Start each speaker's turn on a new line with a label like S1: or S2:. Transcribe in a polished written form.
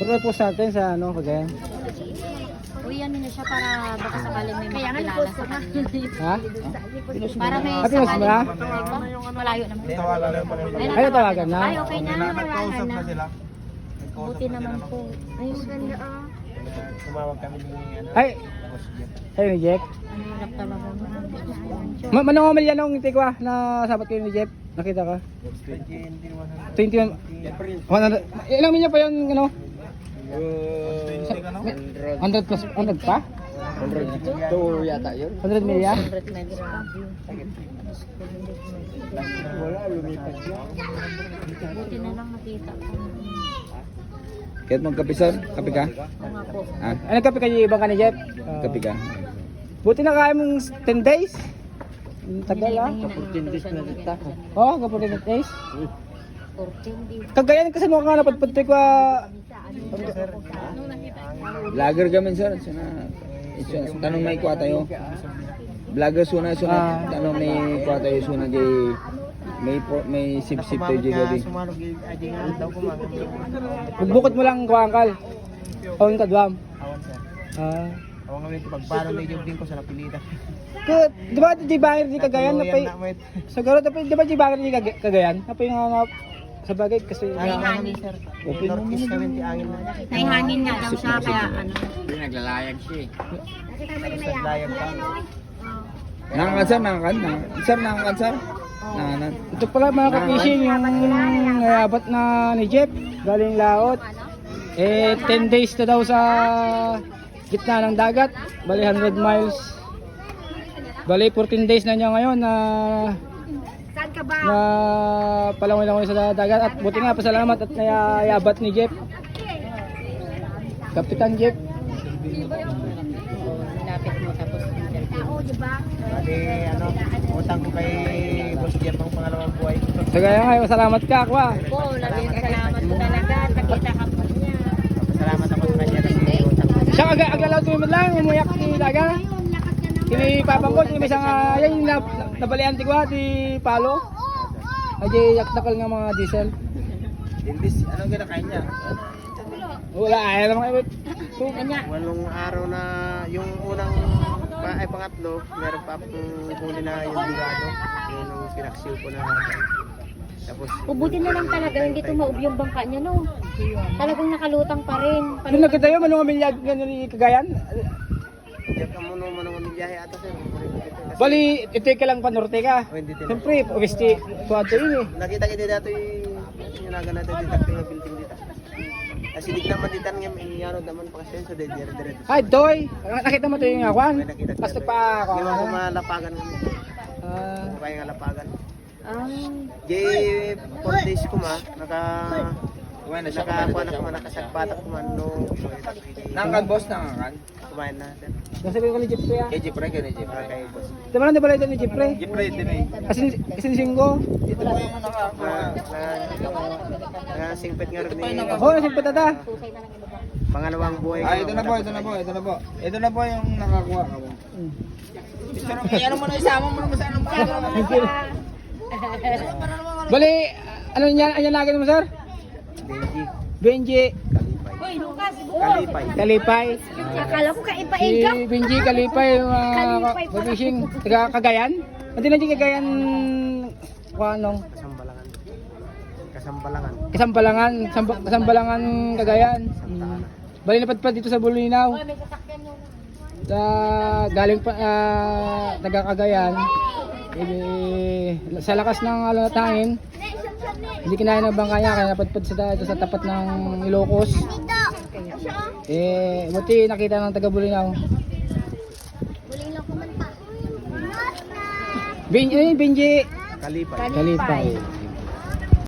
S1: Pero post natin sa ano, Cagayan.
S2: Uy, ano na siya para baka sakaling may makilala sa kanya.
S1: Ha?
S2: Para may
S1: Ah, pinost mo na?
S2: Malayo naman.
S3: Tawagan na pa rin.
S1: Ay, natawagan na?
S2: Ay, okay na.
S3: Nagkausap na sila.
S2: Buti naman po. Ay, maganda ah.
S3: Tumawag kami ni ano.
S1: Ay,
S3: Boss Jeff.
S1: ay ni Jeff.
S2: Ang hirap talaga.
S1: Manong amalya nung hindi ko na sabat kayo ni Jeff. Nakita ka? 21. 100. Ilang milya pa yun, ano? 100 plus, 100 pa?
S3: 100 yata yun.
S1: 100 milya?
S3: Wala, lumipas siya.
S2: Buti na lang nakita ko.
S4: Kahit magkapisan, kape ka?
S2: Oo nga po.
S4: Ah,
S1: Ano kape kayo ibang ka ni Jeff?
S4: kape ka.
S1: Buti na kaya mong 10 days? Ang tagal ah. Oo, kapag 10 days.
S2: 14 days.
S1: Kagayan kasi mukha nga napadpad ko
S4: Vlogger kami sir. Tanong may kuha tayo. Vlogger suna. Tanong may kuha tayo suna di may sip-sip tayo di gabi.
S3: Sumarog ay di nga daw kumagan.
S1: Bukod mo lang kuangkal. Awon ka duam.
S3: Awan sir.
S1: Ah.
S3: Awan nga ito pagpano na yung din ko sa napilitan.
S1: Di ba di bangir di Cagayan na pay? Siguro di ba di bangir di Cagayan? Na pay nga sa bagay kasi
S3: Hangin sir. Northeast kami ti angin na.
S2: May hangin nga daw siya kaya ano.
S4: Naglalayag siya eh.
S3: Sa layag pa.
S4: Nangangan sir, nangangan. Sir, nangangan sir. Nangangan.
S1: ito pala mga ka-fishing yung abot na ni Jeff galing laot. 10 days na daw sa gitna ng dagat. Bali 100 miles. Bali 14 days na niya ngayon na palangoy-langoy sa dagat at buti nga pasalamat at nayayabat ni Jeff. Kapitan Jeff.
S2: Lapit mo tapos.
S3: Bali ano, utang ko kay Boss Jeff ang pangalawang buhay.
S1: So kaya nga, salamat ka kwa.
S2: Po, labing salamat po talaga. Nakita ka po niya.
S3: Salamat ako sa kanya kasi utang ko.
S1: Siya agalaw tumimid lang, umuyak ni Daga. Kini papang ko, may isang yan yung nabalian ti kwa, ti Palo. Ay yakdakal nga mga diesel.
S3: Dimbis, anong kinakain niya?
S1: Wala, ayaw naman kayo.
S2: Kanya.
S3: Walong araw na yung unang pangatlo, meron pa akong huli na yung bigado. Yun yung pinaksiw ko na. Tapos,
S2: Ubuti na lang talaga hindi tumaob yung bangka niya no. Talagang nakalutang pa rin.
S1: Yung nakita yun, manong amilyag ganyan ni Cagayan.
S3: diyan ka muna manungan ng biyahe ata sir.
S1: Bali, ito ka lang panorte ka. Siyempre, obviously, tuwato yun eh.
S3: Nakita kita dito yung naga natin dito yung building dito. Kasi di naman dito nga may yaro naman pa kasi sa dire.
S1: Ay, Doy, nakita mo ito yung akwan? Basta pa ako.
S3: Di ba malapagan kami?
S1: Ah,
S3: Kaya nga lapagan.
S2: Ay.
S3: Jay, 4 days ko ma, nakakuha na ko man, nakasagpatak ko man, no.
S4: Nangangan boss, nangangan.
S3: Kumain na, sir.
S1: nasabi ko ni Jeff kuya.
S4: Eh, Jeep Ray, ganun Jeep Ray.
S3: Kaya boss.
S1: Di ba lang di ba ito ni Jeff Ray?
S4: Jeep Ray din eh.
S1: Asin singgo.
S4: Ito po yung nakakuha.
S3: Singpit nga rin ni
S1: Oo, nasin patata.
S3: pangalawang buhay ko.
S4: Ito na po. Ito na po yung nakakuha ka po. Pero ano mo na isama mo naman sa anong
S1: Bali, ano yan lagi mo sir?
S3: Benji,
S1: Benji
S3: Kalipay.
S1: Kalipay.
S2: Akala ko ka
S1: Si
S2: ipaigap.
S1: Benji Kalipay,
S2: Kalipay pala.
S1: fishing. Taga Cagayan? Hindi na di Cagayan, anong?
S3: Kasambalangan.
S1: Kasambalangan Cagayan. Bali napadpad dito sa Bulinaw. Sa galing pa taga Cagayan. Sa lakas ng alatangin, hindi kinaya ng bangka niya kaya napadpad sa tapat ng Ilocos. Buti nakita ng taga Bulinaw. Benji
S3: Kalipay.
S1: Kalipay.